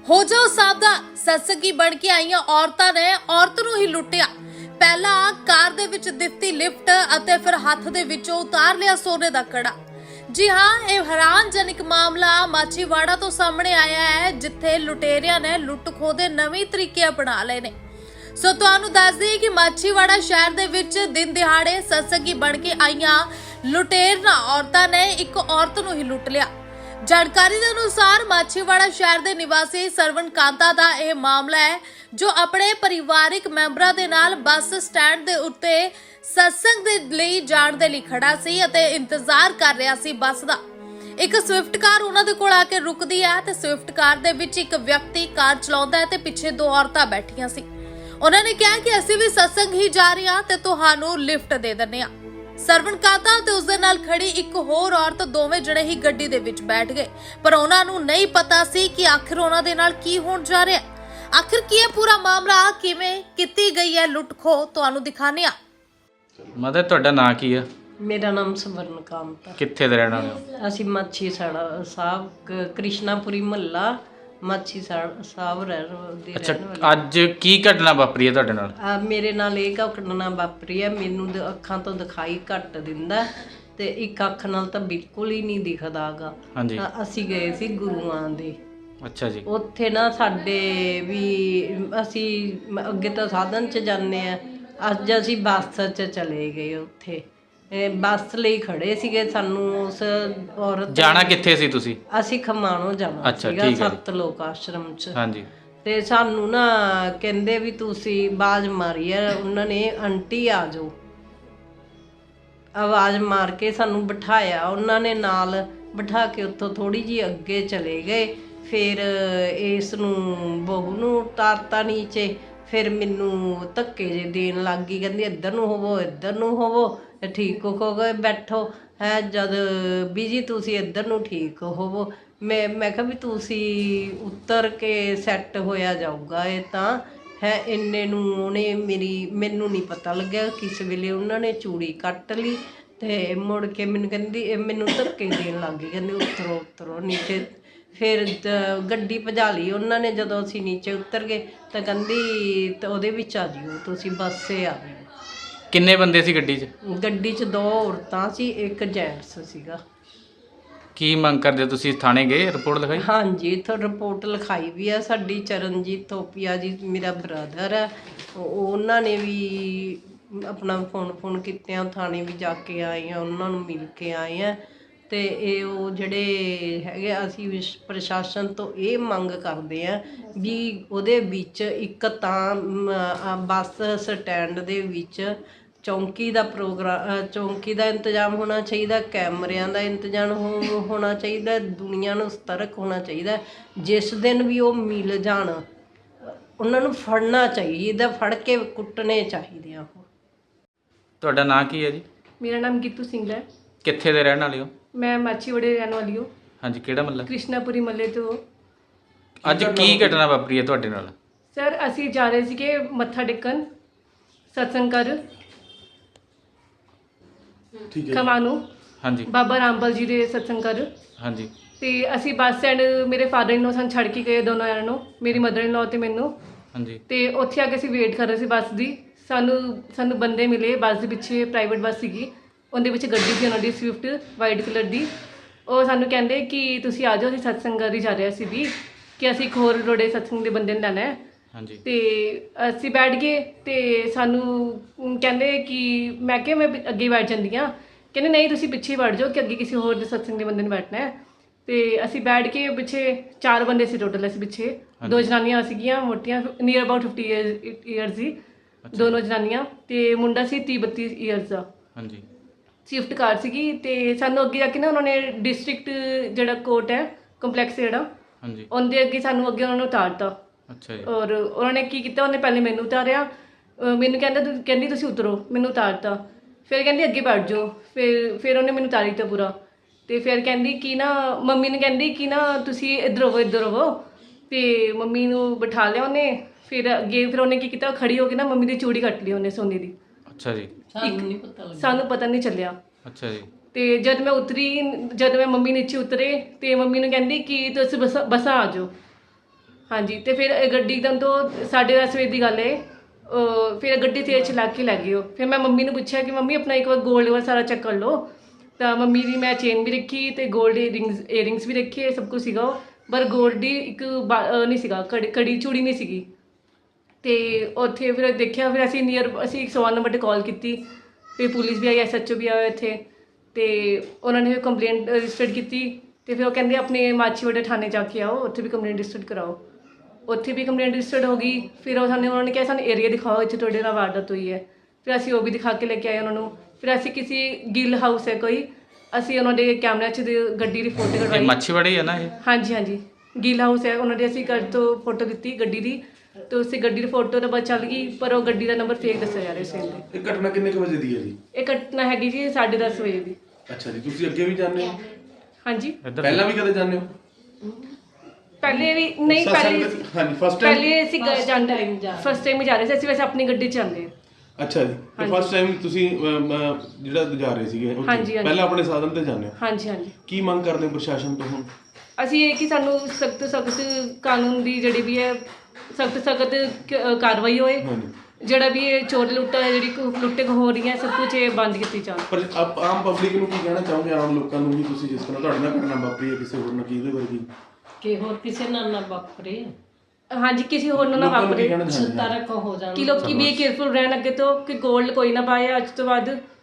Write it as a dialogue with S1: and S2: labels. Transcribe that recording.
S1: ਹੋ ਜਾਓ ਸਾਵਧਾਨ, ਸਤਸੰਗੀ ਬਣ ਕੇ ਆਈਆਂ ਔਰਤਾਂ ਨੇ ਔਰਤ ਨੂੰ ਹੀ ਲੁੱਟਿਆ। ਪਹਿਲਾਂ ਕਾਰ ਦੇ ਵਿੱਚ ਦਿੱਤੀ ਲਿਫਟ ਅਤੇ ਫਿਰ ਹੱਥ ਦੇ ਵਿੱਚੋਂ ਉਤਾਰ ਲਿਆ ਸੋਨੇ ਦਾ ਕੜਾ। ਜੀ ਹਾਂ, ਇਹ ਹੈਰਾਨਜਨਕ ਮਾਮਲਾ ਮਾਛੀਵਾੜਾ ਤੋਂ ਸਾਹਮਣੇ ਆਇਆ ਹੈ, ਜਿੱਥੇ ਲੁਟੇਰਿਆਂ ਨੇ ਲੁੱਟ ਖੋਹ ਦੇ ਨਵੇਂ ਤਰੀਕੇ ਅਪਣਾ ਲਏ ਨੇ। ਸੋ ਤੁਹਾਨੂੰ ਦੱਸ ਦਈਏ ਕਿ ਮਾਛੀਵਾੜਾ ਸ਼ਹਿਰ ਦੇ ਵਿੱਚ ਦਿਨ ਦਿਹਾੜੇ ਸਤਸੰਗੀ ਬਣ ਕੇ ਆਈਆਂ ਲੁਟੇਰਾਂ ਔਰਤਾਂ ਨੇ ਇੱਕ ਔਰਤ ਨੂੰ ਹੀ ਲੁੱਟ ਲਿਆ। ਜਾਣਕਾਰੀ ਦੇ ਅਨੁਸਾਰ ਮਾਛੀਵਾੜਾ ਸ਼ਹਿਰ ਦੇ ਨਿਵਾਸੀ ਸਰਵਣ ਕਾਂਤਾ ਦਾ ਇਹ ਮਾਮਲਾ ਹੈ, ਜੋ ਆਪਣੇ ਪਰਿਵਾਰਿਕ ਮੈਂਬਰਾਂ ਦੇ ਨਾਲ ਬੱਸ ਸਟੈਂਡ ਦੇ ਉੱਤੇ ਸਤਸੰਗ ਦੇ ਲਈ ਜਾਣ ਦੇ ਲਈ ਖੜਾ ਸੀ ਅਤੇ ਇੰਤਜ਼ਾਰ ਕਰ ਰਿਹਾ ਸੀ ਬੱਸ ਦਾ। ਇੱਕ ਸਵਿਫਟ ਕਾਰ ਉਹਨਾਂ ਦੇ ਕੋਲ ਆ ਕੇ ਰੁਕਦੀ ਹੈ ਤੇ ਸਵਿਫਟ ਕਾਰ ਦੇ ਵਿੱਚ ਇੱਕ ਵਿਅਕਤੀ ਕਾਰ ਚਲਾਉਂਦਾ ਹੈ ਤੇ ਪਿੱਛੇ ਦੋ ਔਰਤਾਂ ਬੈਠੀਆਂ ਸੀ। ਉਹਨਾਂ ਨੇ ਕਿਹਾ ਕਿ ਅਸੀਂ ਵੀ ਸਤਸੰਗ ਹੀ ਜਾ ਰਹੇ ਹਾਂ ਤੇ ਤੁਹਾਨੂੰ ਲਿਫਟ ਦੇ ਦਿੰਦੇ ਹਾਂ। ਸਰਵਣ ਕਾਂਤਾ ਤੇ ਉਸਦੇ ਨਾਲ ਖੜੀ ਇੱਕ ਹੋਰ ਔਰਤ ਦੋਵੇਂ ਜਣੇ ਹੀ ਗੱਡੀ ਦੇ ਵਿੱਚ ਬੈਠ ਗਏ, ਪਰ ਉਹਨਾਂ ਨੂੰ ਨਹੀਂ ਪਤਾ ਸੀ ਕਿ ਆਖਿਰ ਉਹਨਾਂ ਦੇ ਨਾਲ ਕੀ ਹੋਣ ਜਾ ਰਿਹਾ ਹੈ। ਆਖਿਰ ਕੀ ਇਹ ਪੂਰਾ ਮਾਮਲਾ ਕਿਵੇਂ ਕੀਤੀ ਗਈ ਹੈ ਲੁੱਟ ਖੋਹ, ਤੁਹਾਨੂੰ ਦਿਖਾਉਂਦੇ ਹਾਂ।
S2: ਮਦਰ, ਤੁਹਾਡਾ ਨਾਂ ਕੀ ਆ?
S3: ਮੇਰਾ ਨਾਮ ਸਵਰਨ ਕਾਂਤ ਹੈ।
S2: ਕਿੱਥੇ ਦੇ ਰਹਿਣ ਵਾਲੇ ਹੋ?
S3: ਅਸੀਂ ਮਾਛੀ ਸਾੜਾ ਸਾਹਿਬ ਕ੍ਰਿਸ਼ਨਾਪੁਰੀ ਮਹੱਲਾ ਮਾਛੀ ਸਾਹਿਬ ਦੇ
S2: ਅੱਛਾ,
S3: ਰਹਿਣ ਵਾਲੇ।
S2: ਅੱਜ ਕੀ ਘਟਨਾ ਵਾਪਰੀ ਹੈ ਤੁਹਾਡੇ ਨਾਲ?
S3: ਮੇਰੇ ਨਾਲ ਇਹ ਘਟਨਾ ਵਾਪਰੀ ਹੈ। ਮੈਨੂੰ ਅੱਖਾਂ ਤੋਂ ਦਿਖਾਈ ਘੱਟ ਦਿੰਦਾ ਤੇ ਇੱਕ ਅੱਖ ਨਾਲ ਤਾਂ ਬਿਲਕੁਲ ਹੀ ਨਹੀਂ ਦਿਖਦਾਗਾ।
S2: ਹਾਂਜੀ।
S3: ਅਸੀਂ ਗਏ ਸੀ ਗੁਰੂਆਂ ਦੇ।
S2: ਅੱਛਾ ਜੀ।
S3: ਉੱਥੇ ਨਾ ਸਾਡੇ ਵੀ ਅਸੀਂ ਅੱਗੇ ਤਾਂ ਸਾਧਨ 'ਚ ਜਾਂਦੇ ਆ, ਅੱਜ ਅਸੀਂ ਬੱਸ 'ਚ ਚਲੇ ਗਏ। ਉੱਥੇ ਬੱਸ ਲਈ ਖੜੇ ਸੀਗੇ। ਸਾਨੂੰ ਉਸ ਔਰਤ
S2: ਜਾਣਾ ਕਿੱਥੇ ਸੀ ਤੁਸੀਂ?
S3: ਅਸੀਂ ਖਮਾਣੋਂ ਜਾਣਾ
S2: ਅੱਛਾ,
S3: ਸੀਗਾ,
S2: ਠੀਕ ਹੈ ਜੀ।
S3: ਸੱਤ ਲੋਕ ਆਸ਼ਰਮ 'ਚ।
S2: ਹਾਂਜੀ।
S3: ਤੇ ਸਾਨੂੰ ਨਾ ਕਹਿੰਦੇ ਵੀ ਤੁਸੀਂ ਆਵਾਜ਼ ਮਾਰੀ ਆ ਉਹਨਾਂ ਨੇ, ਆਂਟੀ ਆ ਜਾਓ। ਆਵਾਜ਼ ਮਾਰ ਕੇ ਸਾਨੂੰ ਬਿਠਾਇਆ ਉਹਨਾਂ ਨੇ, ਨਾਲ ਬਿਠਾ ਕੇ ਉੱਥੋਂ ਥੋੜੀ ਜਿਹੀ ਅੱਗੇ ਚਲੇ ਗਏ। ਫਿਰ ਇਸ ਨੂੰ ਬਹੂ ਨੂੰ ਉਤਾਰਤਾ ਨੀਚੇ। ਫਿਰ ਮੈਨੂੰ ਧੱਕੇ ਜੇ ਦੇਣ ਲੱਗ ਗਈ, ਕਹਿੰਦੀ ਇੱਧਰ ਨੂੰ ਹੋਵੋ, ਇੱਧਰ ਨੂੰ ਹੋਵੋ, ਠੀਕ ਹੋ ਗਏ ਬੈਠੋ ਹੈ। ਜਦ ਬੀਜੀ ਤੁਸੀਂ ਇੱਧਰ ਨੂੰ ਠੀਕ ਹੋਵੋ। ਮੈਂ ਕਿਹਾ ਵੀ ਤੁਸੀਂ ਉੱਤਰ ਕੇ ਸੈੱਟ ਹੋਇਆ ਜਾਊਗਾ ਇਹ ਤਾਂ ਹੈ। ਇੰਨੇ ਨੂੰ ਉਹਨੇ ਮੈਨੂੰ ਨਹੀਂ ਪਤਾ ਲੱਗਿਆ ਕਿਸ ਵੇਲੇ ਉਹਨਾਂ ਨੇ ਚੂੜੀ ਕੱਟ ਲਈ ਤੇ ਮੁੜ ਕੇ ਮੈਨੂੰ ਕਹਿੰਦੀ, ਮੈਨੂੰ ਧੱਕੇ ਦੇਣ ਲੱਗ ਗਈ, ਕਹਿੰਦੀ ਉਤਰੋ ਉਤਰੋ ਨੀਚੇ। ਫਿਰ ਗੱਡੀ ਭਜਾ ਲਈ ਉਹਨਾਂ ਨੇ। ਜਦੋਂ ਅਸੀਂ ਨੀਚੇ ਉਤਰ ਗਏ ਤਾਂ ਕਹਿੰਦੀ ਤਾਂ ਉਹਦੇ ਵਿੱਚ ਆ ਜਿਓ ਤੁਸੀਂ, ਬੱਸੇ ਆ ਜਿਓ।
S2: ਕਿੰਨੇ ਬੰਦੇ ਸੀ ਗੱਡੀ 'ਚ?
S3: ਗੱਡੀ 'ਚ ਦੋ ਔਰਤਾਂ ਸੀ, ਇੱਕ ਜੈਂਟਸ ਸੀਗਾ।
S2: ਕੀ ਮੰਗ ਕਰਦੇ ਹੋ ਤੁਸੀਂ? ਥਾਣੇ ਗਏ, ਰਿਪੋਰਟ ਲਿਖਾਈ?
S3: ਹਾਂਜੀ, ਇੱਥੋਂ ਰਿਪੋਰਟ ਲਿਖਾਈ ਵੀ ਆ। ਸਾਡੀ ਚਰਨਜੀਤ ਥੋਪੀਆ ਜੀ ਮੇਰਾ ਬ੍ਰਦਰ ਹੈ, ਉਹਨਾਂ ਨੇ ਵੀ ਆਪਣਾ ਫੋਨ ਕੀਤੇ ਆ, ਥਾਣੇ ਵੀ ਜਾ ਕੇ ਆਏ ਆ, ਉਹਨਾਂ ਨੂੰ ਮਿਲ ਕੇ ਆਏ ਆ। ਤੇ ਇਹ ਉਹ ਜਿਹੜੇ ਹੈਗੇ, ਅਸੀਂ ਪ੍ਰਸ਼ਾਸਨ ਤੋਂ ਇਹ ਮੰਗ ਕਰਦੇ ਆ ਵੀ ਉਹਦੇ ਵਿੱਚ ਇੱਕ ਤਾਂ ਬੱਸ ਸਟੈਂਡ ਦੇ ਵਿੱਚ ਚੌਂਕੀ ਦਾ ਚੌਂਕੀ ਦਾ ਇੰਤਜ਼ਾਮ ਹੋਣਾ ਚਾਹੀਦਾ, ਕੈਮਰਿਆਂ ਦਾ ਇੰਤਜ਼ਾਮ ਹੋਣਾ ਚਾਹੀਦਾ, ਦੁਨੀਆ ਨੂੰ ਸਤਰਕ ਹੋਣਾ ਚਾਹੀਦਾ। ਜਿਸ ਦਿਨ ਵੀ ਉਹ ਮਿਲ ਜਾਣ ਉਹਨਾਂ ਨੂੰ ਫੜਨਾ ਚਾਹੀਦਾ, ਫੜ ਕੇ ਕੁੱਟਣੇ ਚਾਹੀਦੇ ਆ। ਉਹ
S2: ਤੁਹਾਡਾ ਨਾਂ ਕੀ ਹੈ ਜੀ?
S4: ਮੇਰਾ ਨਾਮ ਗੀਤੂ ਸਿੰਘ ਹੈ।
S2: ਕਿੱਥੇ ਦੇ ਰਹਿਣ ਵਾਲੇ ਹੋ?
S4: ਮੈਂ ਮਾਛੀਵਾੜੇ ਰਹਿਣ ਵਾਲੀ ਹਾਂ।
S2: ਹਾਂਜੀ, ਕਿਹੜਾ ਮਹੱਲਾ?
S4: ਕ੍ਰਿਸ਼ਨਾਪੁਰੀ ਮਹੱਲੇ ਤੋਂ।
S2: ਅੱਜ ਕੀ ਘਟਨਾ ਵਾਪਰੀ ਹੈ ਤੁਹਾਡੇ ਨਾਲ?
S4: ਸਰ, ਅਸੀਂ ਜਾ ਰਹੇ ਸੀਗੇ ਮੱਥਾ ਟੇਕਣ ਸਤਸੰਗ ਕਰ ਖਮਾਣੋਂ।
S2: ਹਾਂਜੀ।
S4: ਬਾਬਾ ਰਾਮਪਾਲ ਜੀ ਦੇ ਸਤਸੰਗ ਕਰ।
S2: ਹਾਂਜੀ।
S4: ਤੇ ਅਸੀਂ ਬੱਸ ਸਟੈਂਡ, ਮੇਰੇ ਫਾਦਰ ਇਨ ਲੋ ਸਾਨੂੰ ਛੱਡ ਕੇ ਗਏ ਦੋਨੋਂ ਜਣਿਆਂ ਨੂੰ, ਮੇਰੀ ਮਦਰ ਇਨ ਲੋ ਤੇ ਮੈਨੂੰ।
S2: ਹਾਂਜੀ।
S4: ਤੇ ਉੱਥੇ ਆ ਕੇ ਅਸੀਂ ਵੇਟ ਕਰ ਰਹੇ ਸੀ ਬੱਸ ਦੀ। ਸਾਨੂੰ ਬੰਦੇ ਮਿਲੇ ਬੱਸ ਦੇ ਪਿੱਛੇ, ਪ੍ਰਾਈਵੇਟ ਬੱਸ ਸੀਗੀ, ਉਹਦੇ ਵਿੱਚ ਗੱਡੀ ਸੀ ਉਹਨਾਂ ਦੀ ਸਵਿਫਟ ਵਾਈਟ ਕਲਰ ਦੀ। ਉਹ ਸਾਨੂੰ ਕਹਿੰਦੇ ਕਿ ਤੁਸੀਂ ਆ ਜਾਓ, ਅਸੀਂ ਸਤਸੰਗ ਕਰ ਹੀ ਜਾ ਰਹੇ ਸੀ ਵੀ, ਕਿ ਅਸੀਂ ਇੱਕ ਹੋਰ ਰੋੜੇ ਸਤਸੰਗ ਦੇ ਬੰਦੇ ਨੂੰ ਲੈਣਾ ਹੈ।
S2: ਹਾਂਜੀ।
S4: ਤੇ ਅਸੀਂ ਬੈਠ ਗਏ ਤੇ ਸਾਨੂੰ ਕਹਿੰਦੇ ਕਿ ਮੈਂ ਕਿਹਾ ਮੈਂ ਅੱਗੇ ਬੈਠ ਜਾਂਦੀ ਹਾਂ। ਕਹਿੰਦੇ ਨਹੀਂ, ਤੁਸੀਂ ਪਿੱਛੇ ਬੈਠ ਜਾਓ ਕਿ ਅੱਗੇ ਕਿਸੇ ਹੋਰ ਦੇ ਸਤਸੰਗ ਦੇ ਬੰਦੇ ਨੂੰ ਬੈਠਣਾ ਹੈ। ਤੇ ਅਸੀਂ ਬੈਠ ਕੇ ਪਿੱਛੇ 4 ਬੰਦੇ ਸੀ ਟੋਟਲ। ਅਸੀਂ ਪਿੱਛੇ 2 ਜਨਾਨੀਆਂ ਸੀਗੀਆਂ ਮੋਟੀਆਂ, ਨੀਅਰ ਅਬਾਊਟ 50 ਈਅਰਸ ਸੀ ਦੋਨੋਂ ਜਨਾਨੀਆਂ, ਤੇ ਮੁੰਡਾ ਸੀ 30-32 ਈਅਰਸ ਦਾ।
S2: ਹਾਂਜੀ।
S4: ਸਵਿਫਟ ਕਾਰ ਸੀਗੀ। ਤੇ ਸਾਨੂੰ ਅੱਗੇ ਜਾ ਕੇ ਨਾ ਉਹਨਾਂ ਨੇ ਡਿਸਟ੍ਰਿਕਟ ਜਿਹੜਾ ਕੋਰਟ ਹੈ, ਕੰਪਲੈਕਸ ਜਿਹੜਾ,
S2: ਹਾਂਜੀ,
S4: ਉਹਦੇ ਅੱਗੇ ਸਾਨੂੰ ਅੱਗੇ ਉਹਨਾਂ ਨੂੰ ਉਤਾਰਤਾ।
S2: ਅੱਛਾ ਜੀ।
S4: ਔਰ ਉਹਨਾਂ ਨੇ ਕੀ ਕੀਤਾ, ਉਹਨੇ ਪਹਿਲੇ ਮੈਨੂੰ ਉਤਾਰਿਆ, ਮੈਨੂੰ ਕਹਿੰਦੀ ਤੁਸੀਂ ਉਤਰੋ, ਮੈਨੂੰ ਉਤਾਰਤਾ। ਫਿਰ ਕਹਿੰਦੀ ਅੱਗੇ ਬੈਠ ਜਾਓ। ਫਿਰ ਉਹਨੇ ਮੈਨੂੰ ਉਤਾਰੀ ਦਿੱਤਾ ਪੂਰਾ। ਤੇ ਫਿਰ ਕਹਿੰਦੀ ਕਿ ਨਾ, ਮੰਮੀ ਨੇ ਕਹਿੰਦੀ ਕਿ ਨਾ ਤੁਸੀਂ ਇੱਧਰ ਹੋਵੋ। ਤੇ ਮੰਮੀ ਨੂੰ ਬਿਠਾ ਲਿਆ ਉਹਨੇ। ਫਿਰ ਅੱਗੇ ਫਿਰ ਉਹਨੇ ਕੀ ਕੀਤਾ, ਖੜੀ ਹੋ ਕੇ ਨਾ ਮੰਮੀ ਦੀ ਚੂੜੀ ਕੱਟ ਲਈ ਉਹਨੇ ਸੋਨੇ ਦੀ।
S2: ਅੱਛਾ ਜੀ।
S4: ਸਾਨੂੰ ਪਤਾ ਨਹੀਂ ਚੱਲਿਆ।
S2: ਅੱਛਾ ਜੀ।
S4: ਤੇ ਜਦ ਮੈਂ ਮੰਮੀ ਨੀਚੇ ਉਤਰੇ ਤੇ ਮੰਮੀ ਨੂੰ ਕਹਿੰਦੀ ਕਿ ਤੁਸੀਂ ਬੱਸਾਂ ਆ ਜਾਓ। ਹਾਂਜੀ ਤੇ ਫਿਰ ਇਹ ਗੱਡੀ ਇੱਕਦਮ ਤੋਂ 10:30 ਵਜੇ ਦੀ ਗੱਲ ਹੈ। ਫਿਰ ਗੱਡੀ ਤੇਜ਼ ਚਲਾ ਕੇ ਲੈ ਗਈ ਉਹ। ਫਿਰ ਮੈਂ ਮੰਮੀ ਨੂੰ ਪੁੱਛਿਆ ਕਿ ਮੰਮੀ ਆਪਣਾ ਇੱਕ ਵਾਰ ਗੋਲਡ ਵਾਲਾ ਸਾਰਾ ਚੈੱਕ ਕਰ ਲਓ। ਤਾਂ ਮੰਮੀ ਦੀ ਮੈਂ ਚੇਨ ਵੀ ਰੱਖੀ ਤੇ ਗੋਲਡ ਏਅਰਿੰਗਸ ਵੀ ਰੱਖੀ, ਸਭ ਕੁਝ ਸੀਗਾ ਉਹ। ਪਰ ਗੋਲਡ ਦੀ ਇੱਕ ਨਹੀਂ ਸੀਗਾ, ਕੜੀ ਚੂੜੀ ਨਹੀਂ ਸੀਗੀ। ਤੇ ਉੱਥੇ ਫਿਰ ਦੇਖਿਆ, ਫਿਰ ਅਸੀਂ 101 ਨੰਬਰ 'ਤੇ ਕਾਲ ਕੀਤੀ। ਫਿਰ ਪੁਲਿਸ ਵੀ ਆਈ, SHO ਵੀ ਆਇਆ ਇੱਥੇ। ਤੇ ਉਹਨਾਂ ਨੇ ਕੰਪਲੇਂਟ ਰਜਿਸਟਰ ਕੀਤੀ। ਤੇ ਫਿਰ ਉਹ ਕਹਿੰਦੇ ਆਪਣੇ ਮਾਛੀਵਾੜਾ ਥਾਣੇ ਜਾ ਕੇ ਆਓ, ਉੱਥੇ ਵੀ ਕੰਪਲੇਂਟ ਰਜਿਸਟਰ ਕਰਾਓ। ਉੱਥੇ ਵੀ ਕੰਪਲੇਂਟ ਰਜਿਸਟਰਡ ਹੋ ਗਈ। ਫਿਰ ਉਹਨਾਂ ਨੇ ਕਿਹਾ ਸਾਨੂੰ ਏਰੀਆ ਦਿਖਾਓ, ਇੱਥੇ ਤੁਹਾਡੇ ਨਾਲ ਵਾਰਦਾਤ ਹੋਈ ਹੈ। ਫਿਰ ਅਸੀਂ ਉਹ ਵੀ ਦਿਖਾ ਕੇ ਲੈ ਕੇ ਆਏ ਉਹਨਾਂ ਨੂੰ। ਫਿਰ ਅਸੀਂ ਕਿਸੇ ਗਿੱਲ ਹਾਊਸ ਹੈ ਕੋਈ, ਅਸੀਂ ਉਹਨਾਂ ਦੇ ਕੈਮਰਿਆਂ 'ਚ ਗੱਡੀ ਦੀ ਫੋਟੋ
S2: ਇਹ
S4: ਕਢਵਾਈ।
S2: ਮੱਛੀਵਾੜੇ ਆ ਨਾ ਇਹ?
S4: ਹਾਂਜੀ ਹਾਂਜੀ, ਗਿੱਲ ਹਾਊਸ ਹੈ, ਉਹਨਾਂ ਦੇ ਅਸੀਂ ਘਰ ਤੋਂ ਫੋਟੋ ਦਿੱਤੀ ਗੱਡੀ ਦੀ। ਤੇ ਉਸੇ ਗੱਡੀ ਦੀ ਫੋਟੋ ਤਾਂ ਬਸ ਚੱਲ ਗਈ, ਪਰ ਉਹ ਗੱਡੀ ਦਾ ਨੰਬਰ ਫੇਕ ਦੱਸਿਆ ਜਾ ਰਿਹਾ ਸੀ ਇਹਦੇ।
S5: ਇਹ ਘਟਨਾ ਕਿੰਨੇ ਕੁ ਵਜੇ ਦੀ ਹੈ ਜੀ?
S4: ਇਹ ਘਟਨਾ ਹੈਗੀ ਜੀ 10:30 ਵਜੇ ਦੀ।
S5: ਅੱਛਾ ਜੀ, ਤੁਸੀਂ ਅੱਗੇ ਵੀ ਜਾਂਦੇ ਹੋ?
S4: ਹਾਂਜੀ,
S2: ਇੱਧਰ
S5: ਪਹਿਲਾਂ ਵੀ ਕਦੇ ਜਾਂਦੇ ਹੋ?
S4: ਪਹਿਲੇ ਵੀ ਨਹੀਂ, ਪਹਿਲੇ
S5: ਹਾਂਜੀ, ਫਸਟ ਟਾਈਮ?
S4: ਪਹਿਲੇ ਅਸੀਂ ਜਾਂਦੇ ਫਸਟ ਟਾਈਮ ਹੀ ਜਾ ਰਹੇ ਸੀ ਅਸੀਂ, ਵੈਸੇ ਆਪਣੀ ਗੱਡੀ 'ਚ ਜਾਂਦੇ।
S5: ਅੱਛਾ ਜੀ, ਤੇ ਫਸਟ ਟਾਈਮ ਤੁਸੀਂ ਜਿਹੜਾ ਜਾ ਰਹੇ ਸੀਗੇ ਉੱਥੇ,
S4: ਹਾਂਜੀ, ਹਾਂਜੀ।
S5: ਪਹਿਲਾਂ ਆਪਣੇ ਸਾਧਨ ਤੇ ਜਾਂਦੇ ਹੋ?
S4: ਹਾਂਜੀ ਹਾਂਜੀ,
S5: ਕੀ ਮੰਗ ਕਰਦੇ ਹੋ ਪ੍ਰਸ਼ਾਸਨ ਤੋਂ ਹੁਣ?
S4: ਅਸੀਂ ਇਹ ਕਿ ਸਾਨੂੰ ਸਖਤ ਕਾਨੂੰਨ ਦੀ ਜਿਹੜੀ ਵੀ ਹੈ ਸਖਤ ਕਾਰਵਾਈ ਹੋਏ।
S5: ਹਾਂਜੀ,
S4: ਜਿਹੜਾ ਵੀ ਇਹ ਚੋਰ ਲੁੱਟਾ ਜਿਹੜੀ ਲੁੱਟੇ ਹੋ ਰਹੀਆਂ, ਸਭ ਕੁਝ ਇਹ ਬੰਦ ਕੀਤੀ ਜਾਣ।
S5: ਪਰ ਆਮ ਪਬਲਿਕ ਨੂੰ ਕੀ ਕਹਿਣਾ ਚਾਹੋਗੇ, ਆਮ ਲੋਕਾਂ ਨੂੰ ਵੀ? ਤੁਸੀਂ ਜਿਸ ਤਰ੍ਹਾਂ ਤੁਹਾਡੇ ਨਾਲ ਘਟਨਾ ਵਾਪਰੀ ਹੈ, ਕਿਸੇ ਹੋਰ ਨਾਲ ਕੀ ਇਹਦੇ ਵਰਗੀ?
S3: ਕਿ ਹੋਰ ਕਿਸੇ ਨਾਲ ਨਾ ਵਾਪਰੇ,
S4: ਹਾਂਜੀ, ਕਿਸੇ ਹੋਰ ਨੂੰ ਨਾ
S5: ਲੋਕਾਂ ਨੂੰ ਕੀ
S4: ਵਾਪਰੇ।
S5: ਕਹਿਣਾ ਚਾਹੁੰਦੇ?
S3: ਤਰਕ ਹੋ ਜਾਣ।
S4: ਕਿ ਲੋਕੀ ਵੀ ਕੇਅਰਫੁਲ ਰਹਿਣ ਅੱਗੇ ਤੋਂ, ਕਿ ਗੋਲਡ ਕੋਈ ਨਾ ਪਾਏ ਅੱਜ ਤੋਂ ਬਾਅਦ।